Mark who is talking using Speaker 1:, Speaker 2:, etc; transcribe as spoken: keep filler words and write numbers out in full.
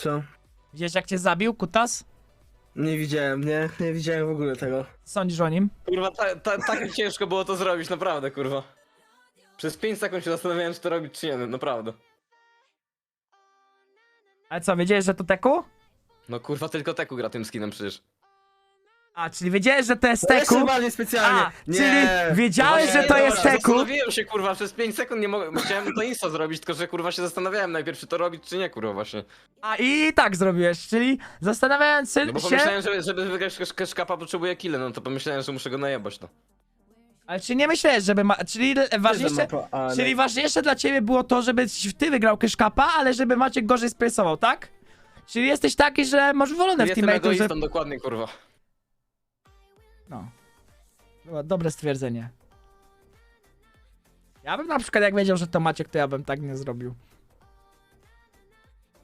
Speaker 1: Co?
Speaker 2: Widziałeś jak cię zabił, kutas?
Speaker 1: Nie widziałem, nie? Nie widziałem w ogóle tego.
Speaker 2: Co sądzisz o nim?
Speaker 3: Kurwa, ta, ta, tak mi ciężko było to zrobić, naprawdę, kurwa. Przez pięć sekund się zastanawiałem, czy to robić, czy nie, naprawdę.
Speaker 2: Ale co, wiedziałeś, że to Teku?
Speaker 3: No kurwa, tylko Teku gra tym skinem przecież.
Speaker 2: A, czyli wiedziałeś, że to jest
Speaker 1: Jeszcze
Speaker 2: Teku?
Speaker 1: bardziej specjalnie.
Speaker 2: A,
Speaker 1: nie.
Speaker 2: czyli wiedziałeś,
Speaker 3: No
Speaker 2: że
Speaker 3: nie,
Speaker 2: to jest
Speaker 3: dobra,
Speaker 2: Teku?
Speaker 3: Zastanowiłem się, kurwa, przez pięć sekund nie mogłem, chciałem to insta zrobić, tylko że kurwa się zastanawiałem najpierw, czy to robić, czy nie, kurwa, właśnie.
Speaker 2: A i tak zrobiłeś, czyli zastanawiając
Speaker 3: No bo
Speaker 2: się...
Speaker 3: pomyślałem, że żeby wygrać Keszkapa potrzebuję kile, no to pomyślałem, że muszę go najebać, no.
Speaker 2: Ale czy nie myślałeś, żeby ma... Czyli ważniejsze...
Speaker 1: mapa, ale-
Speaker 2: Czyli ważniejsze dla ciebie było to, żeby ty wygrał Keszkapa, ale żeby Maciek gorzej spresował, tak? Czyli jesteś taki, że masz wolone w
Speaker 3: Jestem
Speaker 2: teammate'u, że...
Speaker 3: egoistą, dokładnie, kurwa.
Speaker 2: No. Było dobre stwierdzenie. Ja bym na przykład jak wiedział, że to Maciek, to ja bym tak nie zrobił.